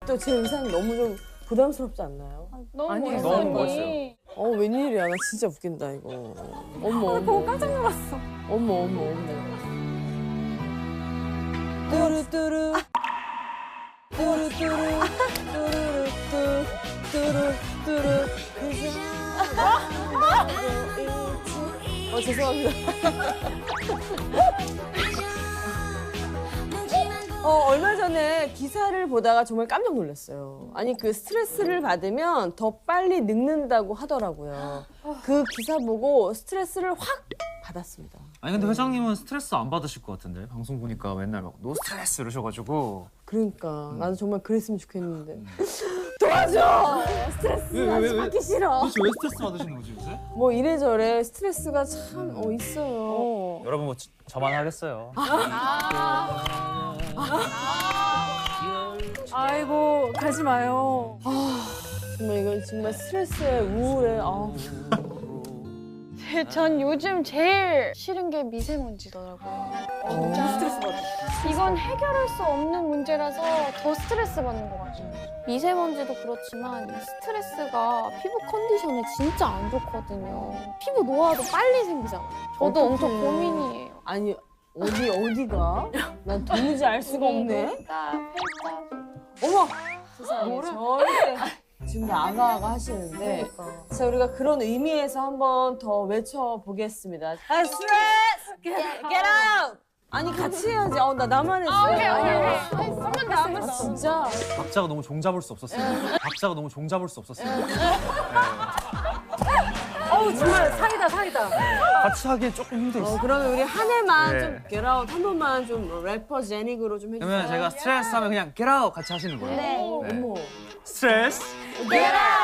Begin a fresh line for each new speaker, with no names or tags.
또 제 의상이 너무 좀 부담스럽지 않나요?
너무
아니에요.
멋있어요.
너무
멋있어요.
웬일이야. 나 진짜 웃긴다, 이거. 어머,
보고 깜짝 놀랐어.
어머. 뚜루뚜루. 뚜루뚜루. 뚜루뚜루. 죄송합니다. 얼마 전에 기사를 보다가 정말 깜짝 놀랐어요. 아니, 그 스트레스를 받으면 더 빨리 늙는다고 하더라고요. 그 기사 보고 스트레스를 확 받았습니다.
아니 근데 회장님은 스트레스 안 받으실 것 같은데 방송 보니까 맨날 막 노 스트레스 이러셔가지고.
그러니까 나도 정말 그랬으면 좋겠는데. 도와줘! 스트레스 받기 싫어.
도대체 왜 스트레스 받으시는 거지 요새?
뭐 이래저래 스트레스가 참 있어요.
여러분 뭐 저만 하겠어요.
아이고 가지 마요.
정말 이건 정말 스트레스에 우울에
전 요즘 제일 싫은 게 미세먼지더라고요. 진짜
스트레스 받아.
이건 해결할 수 없는 문제라서 더 스트레스 받는 것 같아요. 미세먼지도 그렇지만 이 스트레스가 피부 컨디션에 진짜 안 좋거든요. 피부 노화도 빨리 생기잖아요. 저도 엄청
어떡해.
고민이에요.
아니 어디가? 난 도무지 알 수가 없네.
팔자.
어머 세상에 절대 지금 아가아가 하시는데 자 우리가 그런 의미에서 한번 더 외쳐보겠습니다. 스트레스 get out. 아니 같이 해야지. 나 나만 했어.
한번 더, 한번 더.
진짜.
박자가 너무 종잡을 수 없었어요. 박자가 너무 종잡을 수 없었어요.
정말 사이다.
같이 하기엔 조금 힘들었어요.
그러면 우리 한 해만
네.
좀 get out 한 번만 좀 래퍼 제닉으로 좀 해주세요.
그러면 제가 스트레스 하면 그냥 get out 같이 하시는 거예요.
네.
어머.
스트레스
get out.